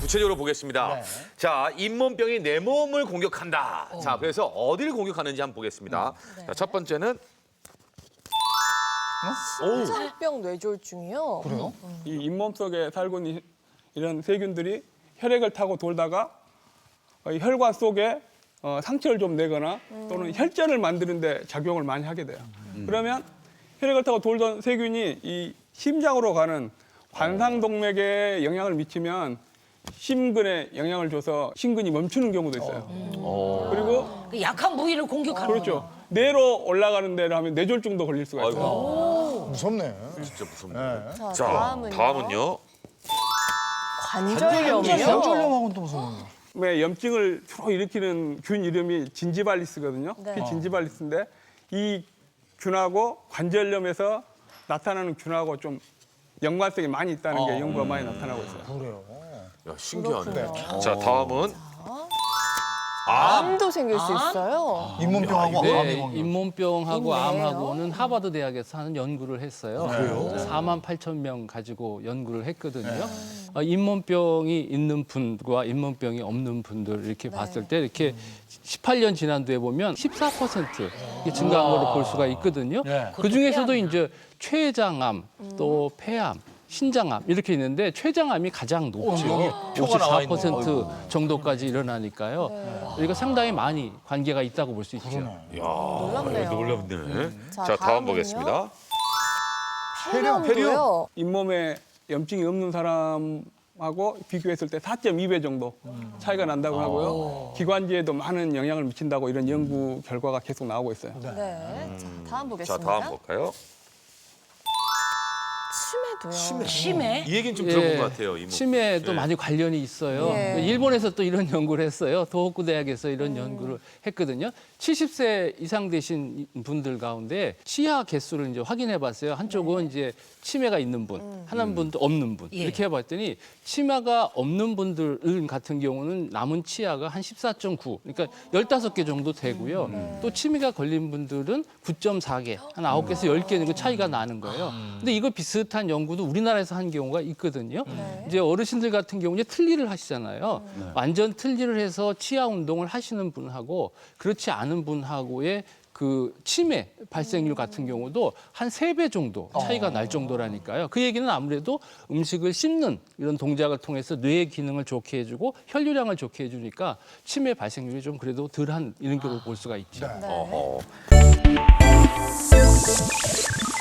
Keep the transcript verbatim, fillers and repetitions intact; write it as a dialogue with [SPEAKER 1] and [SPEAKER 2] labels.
[SPEAKER 1] 구체적으로 보겠습니다.
[SPEAKER 2] 네.
[SPEAKER 1] 자, 잇몸병이 내 몸을 공격한다. 어. 자, 그래서 어디를 공격하는지 한번 보겠습니다.
[SPEAKER 3] 네.
[SPEAKER 1] 자, 첫 번째는
[SPEAKER 3] 심장병 뇌졸중이요.
[SPEAKER 2] 그래요?
[SPEAKER 4] 이 잇몸 속에 살고 있는 이런 세균들이 혈액을 타고 돌다가 어, 이 혈관 속에 어, 상처를 좀 내거나 또는 혈전을 만드는 데 작용을 많이 하게 돼요. 그러면 혈액을 타고 돌던 세균이 이 심장으로 가는 관상동맥에 영향을 미치면 심근에 영향을 줘서 심근이 멈추는 경우도 있어요. 그리고
[SPEAKER 5] 그 약한 부위를 공격하는
[SPEAKER 4] 그렇죠. 뇌로 올라가는 데를 하면 뇌졸중도 걸릴 수가 있어요.
[SPEAKER 1] 아이고,
[SPEAKER 2] 무섭네.
[SPEAKER 1] 진짜 무섭네.
[SPEAKER 2] 네.
[SPEAKER 3] 자,
[SPEAKER 1] 자,
[SPEAKER 3] 다음은요.
[SPEAKER 1] 다음은요.
[SPEAKER 3] 관절염이요.
[SPEAKER 2] 관절염하고는 또 무슨 관계야?
[SPEAKER 4] 왜 염증을 주로 일으키는 균 이름이 진지발리스거든요.
[SPEAKER 3] 네.
[SPEAKER 4] 그 진지발리스인데 이 균하고 관절염에서 나타나는 균하고 좀 연관성이 많이 있다는 게 연구가 많이 나타나고 있어요.
[SPEAKER 2] 그래요.
[SPEAKER 1] 야, 신기하네.
[SPEAKER 3] 그렇군요.
[SPEAKER 1] 자, 다음은
[SPEAKER 3] 암도 생길 수 있어요.
[SPEAKER 2] 잇몸병하고 암이
[SPEAKER 6] 네,
[SPEAKER 2] 관계.
[SPEAKER 6] 잇몸병하고
[SPEAKER 3] 있네요.
[SPEAKER 6] 암하고는 하버드 대학에서 하는 연구를 했어요. 그래요? 사만 팔천 명 가지고 연구를 했거든요. 어, 잇몸병이 있는 분과 잇몸병이 없는 분들 이렇게 봤을 때 이렇게 십팔 년 지난 뒤에 보면 십사 퍼센트 이게 증가한 걸로 볼 수가 있거든요.
[SPEAKER 2] 네.
[SPEAKER 6] 그 중에서도 이제 췌장암, 또 폐암, 신장암 이렇게 있는데 췌장암이 가장 높죠.
[SPEAKER 2] 표가 나와
[SPEAKER 6] 오십사 퍼센트 정도까지 일어나니까요. 그러니까 상당히 많이 관계가 있다고 볼 수 있죠.
[SPEAKER 1] 야,
[SPEAKER 3] 놀랍네요.
[SPEAKER 1] 놀랍네.
[SPEAKER 3] 자,
[SPEAKER 1] 자, 다음
[SPEAKER 3] 다음은요?
[SPEAKER 1] 보겠습니다.
[SPEAKER 3] 폐렴도요.
[SPEAKER 4] 잇몸에 염증이 없는 사람하고 비교했을 때 사 점 이 배 정도 차이가 난다고 하고요. 기관지에도 많은 영향을 미친다고 이런 연구 결과가 계속 나오고 있어요.
[SPEAKER 3] 네. 자, 다음
[SPEAKER 1] 자,
[SPEAKER 3] 보겠습니다.
[SPEAKER 1] 다음 볼까요?
[SPEAKER 3] 치매도요.
[SPEAKER 5] 심해?
[SPEAKER 1] 이 얘기는 좀
[SPEAKER 6] 예,
[SPEAKER 1] 들어본 것 같아요. 이모.
[SPEAKER 6] 치매도
[SPEAKER 1] 예.
[SPEAKER 6] 많이 관련이 있어요.
[SPEAKER 3] 예.
[SPEAKER 6] 일본에서 또 이런 연구를 했어요. 도호쿠 대학에서 이런 연구를 했거든요. 칠십 세 이상 되신 분들 가운데 치아 개수를 이제 확인해 봤어요. 한쪽은 이제 치매가 있는 분, 하나는 분도 없는 분.
[SPEAKER 5] 예.
[SPEAKER 6] 이렇게 해 봤더니 치매가 없는 분들 같은 경우는 남은 치아가 한 십사 점 구. 그러니까 열다섯 개 정도 되고요. 또 치매가 걸린 분들은 구 점 사 개, 한 아홉 개에서 열 개 그 차이가 나는 거예요. 근데 이거 비슷한 연구도 우리나라에서 한 경우가 있거든요. 이제 어르신들 같은 경우는 틀니를 하시잖아요. 완전 틀니를 해서 치아 운동을 하시는 분하고 그렇지 않은 분하고의 그 치매 발생률 같은 경우도 한 세 배 정도 차이가 날 정도라니까요. 그 얘기는 아무래도 음식을 씹는 이런 동작을 통해서 뇌의 기능을 좋게 해주고 혈류량을 좋게 해주니까 치매 발생률이 좀 그래도 덜한 이런 걸로 볼 수가 있죠.
[SPEAKER 3] 네.
[SPEAKER 1] 어허.